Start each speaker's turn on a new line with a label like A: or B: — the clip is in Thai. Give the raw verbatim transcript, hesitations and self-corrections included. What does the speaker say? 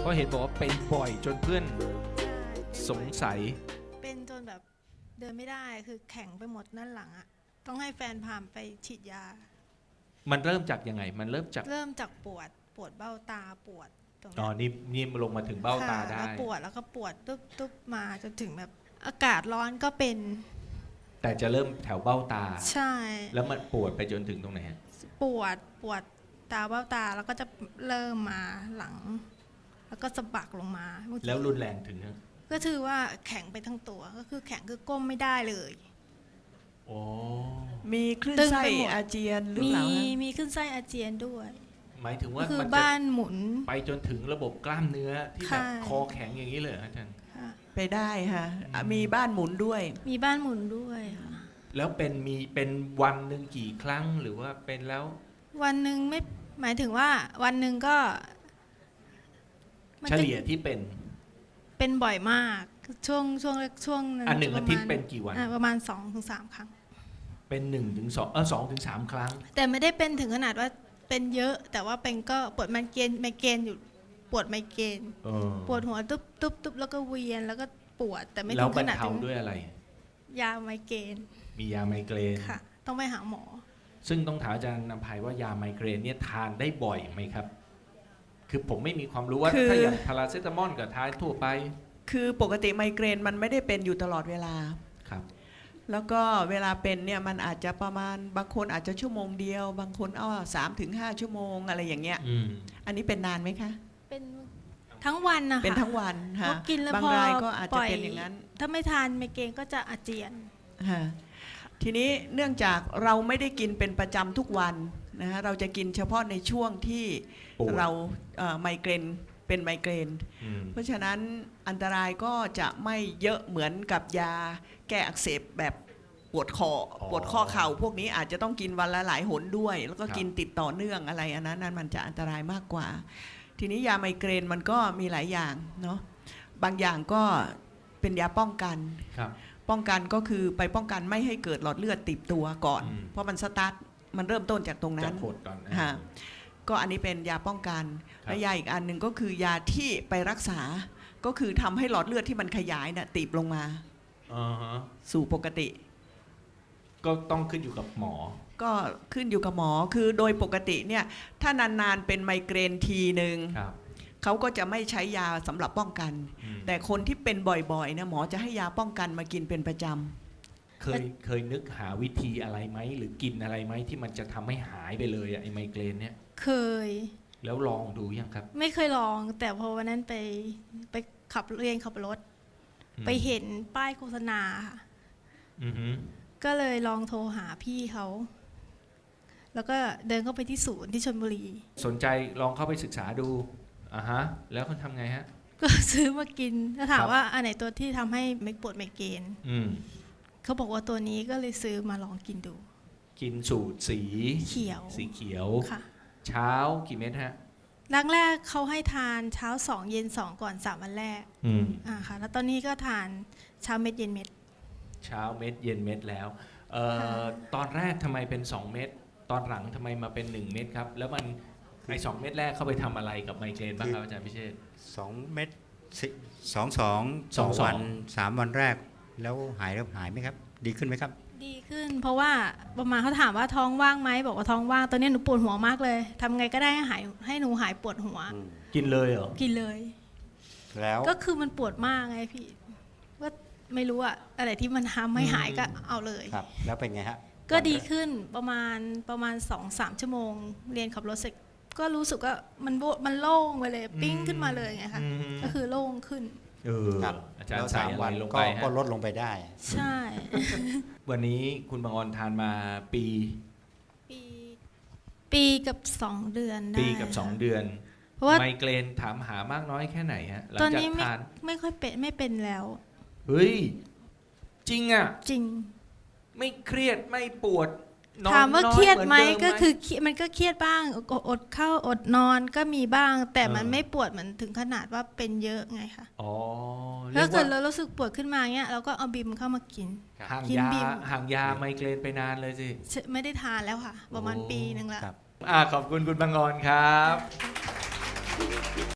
A: เพราะเห็นบอกว่าเป็นบ่อยจนเพื่อน
B: ใช่
A: สงสัย
B: เป็นจนแบบเดินไม่ได้คือแข็งไปหมดด้านหลังอะต้องให้แฟนพาไปฉีดยา
A: มันเริ่มจากยังไง มันเริ่มจาก
B: เริ่มจากปวดปวดเบ้าตาปวดตรง
A: อ๋อ
B: นี้
A: นี่นี่ลงมาถึงเบ้าตาได้
B: แล้วปวดแล้วก็ปวดตุ๊บตุ๊บมาจนถึงแบบอากาศร้อนก็เป็น
A: แต่จะเริ่มแถวเบ้าตา
B: ใช่
A: แล้วมันปวดไปจนถึงตรงไหนฮะ
B: ปวดปวดตาเบ้าตาแล้วก็จะเริ่มมาหลัง แล้วก็สะบักลงมาบางที
A: แล้วรุนแรงถึงฮะ
B: ก็คือว่าแข็งไปทั้งตัวก็คือแข็งคือก้มไม่ได้เลย
A: โอ้
C: มีคลื่น
B: ตึง
C: ไส้
B: ไปหมด
C: อาเจียนหรือ
B: มี
C: เปล่าฮะ
B: มีขึ้นไส้อาเจียนด้วย
A: หมายถึง
B: ก็
A: ว่า
B: คือ
A: มันจะ
B: บ้านหมุน
A: ไปจนถึงระบบกล้ามเนื้อที่แบบ
B: ค่ะ
A: คอแข็งอย่างนี้เลยเหรออาจารย์
B: ค่ะ
C: ไปได้ค่ะอ่ะมีบ้านหมุนด้วย
B: มีบ้านหมุนด้วยค่ะ
A: แล้วเป็นมีเป็นวันหนึ่งกี่ครั้งหรือว่าเป็นแล้ว
B: วันหนึ่งไม่หมายถึงว่าวันหนึ่งก็มัน
A: เฉ
B: จะ
A: ลี่ยที่เป็น
B: เป็นบ่อยมากช่วงช่วงช่วง
A: อันหนึ่ง
B: จะ
A: อา
B: ประ
A: ทิ
B: มา
A: ต
B: ณ
A: ย์เป็นกี่วัน
B: อ่ะประมาณสองถึงสามครั้ง
A: เป็นหนึ่งถึงสองเออสองถึงสามครั้ง
B: แต่ไม่ได้เป็นถึงขนาดว่าเป็นเยอะ แต่ว่าเป็นก็ปวดไมเกรนไมเกรนอยู่ปวดไมเกรน
A: เออ
B: ปวดหัวตุ๊บตุ๊บตุ๊บแล้วก็เวียนแล้วก็ปวดแต่ไม่
A: แล้
B: ถึ
A: ว
B: ง
A: บ
B: ข
A: รร
B: นาด
A: เทา
B: ถึง
A: ด้วยอะไร
B: ยาไมเกรน
A: มียาไมเกรน
B: ค่ะ ต้องไปหาหมอ
A: ซึ่งต้องถามอาจารย์นำภัยว่ายาไมเกรนเนี่ยทานได้บ่อยไหมครับ คือผมไม่มีความรู้ว่า
C: คือ
A: ถ้าอย่างพาราเซตามอลกับทานทั่วไป
C: คือปกติไมเกรนมันไม่ได้เป็นอยู่ตลอดเวลา
A: ครับ
C: แล้วก็เวลาเป็นเนี่ยมันอาจจะประมาณบางคนอาจจะชั่วโมงเดียว บางคนเอาสามถึงห้าชั่วโมงอะไรอย่างเงี้ย
A: อืม
C: อันนี้เป็นนานไหมคะ
B: เป็นทั้งวันนะคะ
C: เป็นทั้งวัน
B: เพ
C: ค่ะ
B: ราะกินแล้ว
C: บาง
B: พอ
C: รายก็อาจ
B: ป
C: จะ
B: ล่อย
C: เป็นอย่างนั้น
B: ถ้าไม่ทานไมเกรนก็จะอาเจียน
C: ค่ะทีนี้เนื่องจากเราไม่ได้กินเป็นประจำทุกวันนะฮะเราจะกินเฉพาะในช่วงที่
A: ปวด
C: เราเอ่อไมเกรนเป็นไมเกรน
A: อืม
C: เพราะฉะนั้นอันตรายก็จะไม่เยอะเหมือนกับยาแก้อักเสบแบบปวดคอปวดข้อเข่าพวกนี้อาจจะต้องกินวันละหลายหนด้วย แล้วก็กินติดต่อเนื่องอะไรอันนั้นนั้นมันจะอันตรายมากกว่า ทีนี้ยาไมเกรนมันก็มีหลายอย่างเนาะบางอย่างก็เป็นยาป้องกัน
A: ครับ
C: ป้องกันก็คือไปป้องกันไม่ให้เกิดหลอดเลือดตีบตัวก่อน
A: อืม
C: เพราะมันสตาร์ทมันเริ่มต้นจากตรง
A: จะ
C: นั้น
A: ขดก่อนนะ
C: ฮะก็อันนี้เป็นยาป้องกัน
A: ครับ
C: และยาอีกอันหนึ่งก็คือยาที่ไปรักษา ก็คือทำให้หลอดเลือดที่มันขยายน่ะตีบลงมา
A: อ่าฮะ
C: สู่ปกติ
A: ก็ต้องขึ้นอยู่กับหมอ
C: ก็ขึ้นอยู่กับหมอคือโดยปกติเนี่ยถ้านานๆเป็นไมเกรนทีหนึ่ง
A: ครับ
C: เขาก็จะไม่ใช้ยาสำหรับป้องกัน
A: อืม
C: แต่คนที่เป็นบ่อยๆนะหมอจะให้ยาป้องกันมากินเป็นประจำ
A: เคยเคยนึกหาวิธีอะไรไหมหรือกินอะไรไหมที่มันจะทำให้หายไปเลยอะไอ้ไมเกรนเนี่ย
B: เคย
A: แล้วลองดูยังครับ
B: ไม่เคยลอง แต่พอวันนั้นไปไปขับเรียนขับรถ
A: อืม
B: ไปเห็นป้ายโฆษณาค่ะ
A: อือฮึ
B: ก็เลยลองโทรหาพี่เขา แล้วก็เดินเข้าไปที่ศูนย์ที่ชลบุรี
A: สนใจลองเข้าไปศึกษาดูอ่าฮะ แล้วเขาทำไงฮะ
B: ก็ซื้อมากินแล้วถาม
A: ครับ
B: ว่าอันไหนตัวที่ทำให้ไม่ปวดไมเกรน
A: อืม
B: เขาบอกว่าตัวนี้ก็เลยซื้อมาลองกินดู
A: กินสูตรสี
B: เขียว
A: สีเขียว
B: ค่ะ
A: เช้ากี่เม็ดฮะ
B: แรกแรกๆเขาให้ทานเช้าสองเย็นสองก่อนสามวันแรก
A: อืม
B: อ่าค่ะ แล้วตอนนี้ก็ทานเช้าเม็ดเย็นเม็ด
A: เช้าเม็ดเย็นเม็ดแล้วเอ่อ
B: ค่ะ
A: ตอนแรกทำไมเป็นสองเม็ดตอนหลังทำไมมาเป็นหนึ่งเม็ดครับ แล้วมันไอสองเม็ดแรกเข้าไปทำอะไรกับไมเกรนบ้างครับอาจารย์พิเชษฐ์
D: สองเม็ดสิสองสอง
A: สองสอง
D: วันสามวันแรก แล้วหายแล้วหายไหมครับ ดีขึ้นไหมครับ
B: ดีขึ้น เพราะว่าประมาณเขาถามว่าท้องว่างไหมบอกว่าท้องว่างตอนนี้หนูปวดหัวมากเลยทำไงก็ได้ให้หายให้หนูหายปวดหัว
A: กินเลยเหรอ
B: กินเลย
D: แล้ว
B: ก็คือมันปวดมากไงพี่ว่าไม่รู้อะอะไรที่มันทำให้หายก็เอาเลย
D: ครับ แล้วเป็นไงฮะ
B: ก็ดีขึ้นประมาณประมาณสองสามชั่วโมง เรียนขับรถเสร็จก็รู้สึกว่ามันโบมันโล่งไปเลยปิ้งขึ้นมาเลยไงคะ
A: อืม
B: ก็คือโล่งขึ้น
A: เออ
D: ครับ
A: อาจาร
D: แล้ว
A: ย์ใส่
D: สาม
A: อะไร
D: วัน
A: ลง
D: ก็
A: ไป
D: ก็
A: ฮะ
D: ลดลงไปได้
B: ใช่
A: วันนี้คุณบางออนทานมาปี
B: ปีปีกับสองเดือนได้
A: ปีกับสองเดือน
B: เพราะว่า
A: ไมเกรนถามหามากน้อยแค่ไหนฮะหลัง
B: ตอน
A: จาก
B: นี้ไม่
A: ทาน
B: ไม่ค่อยเป็นไม่เป็นแล้ว
A: เฮ้ย จริงอ่ะ
B: จริง
A: ไม่เครียดไม่ปวดนอน
B: ถามว่า
A: น้อ
B: เครียดไหม
A: เอนเ
B: ก็คือเครียดมันก็เครียดบ้างอดอดข้าวอดนอนก็มีบ้าง แต่มัน
A: เออ
B: ไม่ปวดเหมือนถึงขนาดว่าเป็นเยอะไงคะ
A: อ๋อเรี
B: ถ้าย
A: ก
B: เกิด
A: ว่า
B: เรารู้สึกปวดขึ้นมาเงี้ยเราก็เอาบิมเข้ามากิน
A: ห่าง
B: กิน
A: ยา
B: บิม
A: ห่างยาไมเกรนไปนานเลยสิ
B: ไม่ได้ทานแล้วค่ะ ประมาณ
A: โอ้
B: ปีหนึ่งละ
D: ครับ
A: อ่าขอบคุณคุณบางออนครับ